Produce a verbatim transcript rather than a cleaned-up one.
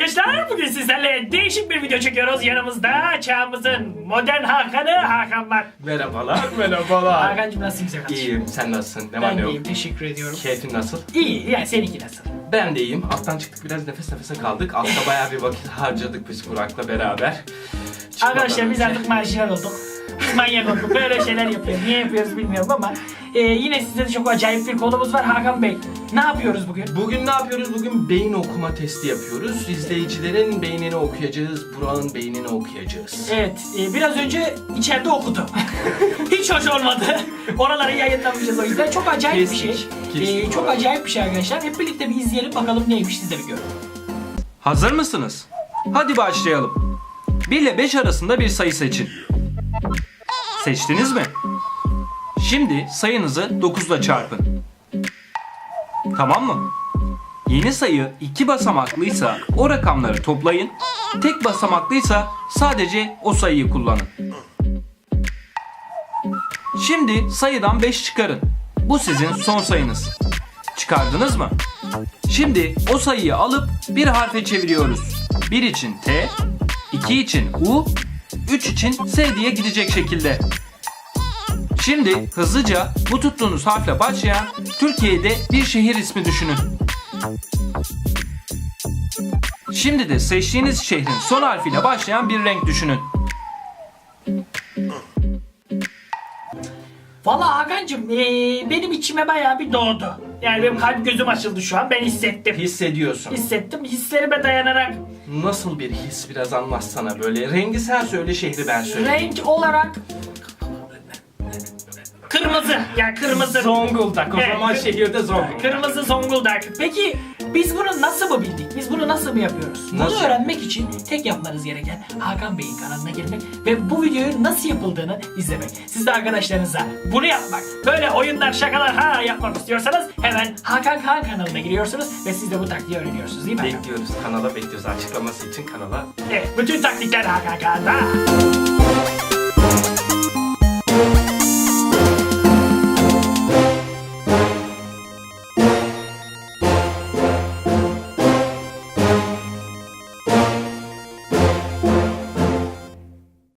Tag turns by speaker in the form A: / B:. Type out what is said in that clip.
A: arkadaşlar, bugün sizlerle değişik bir video çekiyoruz. Yanımızda çağımızın modern Hakan'ı Hakan var.
B: Merhabalar, merhabalar.
A: Hakan'cığım nasılsın güzel kardeşim?
B: İyiyim, sen nasılsın? Ne var
A: Ben
B: ne
A: de
B: yok?
A: iyiyim, teşekkür ediyorum.
B: Keyfin nasıl?
A: İyi, yani seninki nasıl?
B: Ben de iyiyim. Alttan çıktık, biraz nefes nefese kaldık. Altta bayağı bir vakit harcadık biz Burak'la beraber. Çıkmadan
A: Arkadaşlar biz
B: önce-
A: artık marjinal olduk. Biz manyak olduk. Böyle şeyler yapıyoruz. Niye yapıyoruz bilmiyorum ama e, yine size de çok acayip bir konumuz var Hakan Bey. Ne yapıyoruz bugün?
B: Bugün ne yapıyoruz? Bugün beyin okuma testi yapıyoruz. İzleyicilerin beynini okuyacağız, Burak'ın beynini okuyacağız.
A: Evet, e, biraz önce içeride okudu. Hiç hoş olmadı. Oraları yayınlamayacağız o yüzden. Çok acayip bir şey.
B: Kestik, kestik
A: E, çok
B: oraları.
A: acayip bir şey arkadaşlar. Hep birlikte bir izleyelim bakalım neymiş, siz de bir görün.
C: Hazır mısınız? Hadi başlayalım. bir ile beş arasında bir sayı seçin. Seçtiniz mi? Şimdi sayınızı dokuz ile çarpın. Tamam mı? Yeni sayı iki basamaklıysa o rakamları toplayın. Tek basamaklıysa sadece o sayıyı kullanın. Şimdi sayıdan beş çıkarın. Bu sizin son sayınız. Çıkardınız mı? Şimdi o sayıyı alıp bir harfe çeviriyoruz. bir için T, iki için U, üç için S diye gidecek şekilde. Şimdi hızlıca bu tuttuğunuz harfle başlayan Türkiye'de bir şehir ismi düşünün. Şimdi de seçtiğiniz şehrin son harfiyle başlayan bir renk düşünün.
A: Vallahi Hakan'cığım e, benim içime bayağı bir doğdu. Yani benim kalp gözüm açıldı şu an. Ben hissettim.
B: Hissediyorsun.
A: Hissettim. Hislerime dayanarak
B: Nasıl bir his, biraz anlatsana böyle. Rengi sen söyle, şehri ben söyleyeyim.
A: renk olarak kırmızı. Yani kırmızı.
B: Zonguldak. O
A: Evet.
B: zaman şehirde Zonguldak.
A: Kırmızı Zonguldak. Peki biz bunu nasıl mı bildik? Biz bunu nasıl mı yapıyoruz? Bunu
B: Nasıl
A: öğrenmek için tek yapmanız gereken Hakan Bey'in kanalına girmek ve bu videoyu nasıl yapıldığını izlemek. Siz de arkadaşlarınıza bunu yapmak, böyle oyunlar, şakalar ha yapmak istiyorsanız hemen Hakan Kaan kanalına giriyorsunuz ve siz de bu taktiği öğreniyorsunuz değil mi Hakan?
B: Bekliyoruz, kanala bekliyoruz. Açıklaması için kanala.
A: Evet, bütün taktikler Hakan Kaan'da.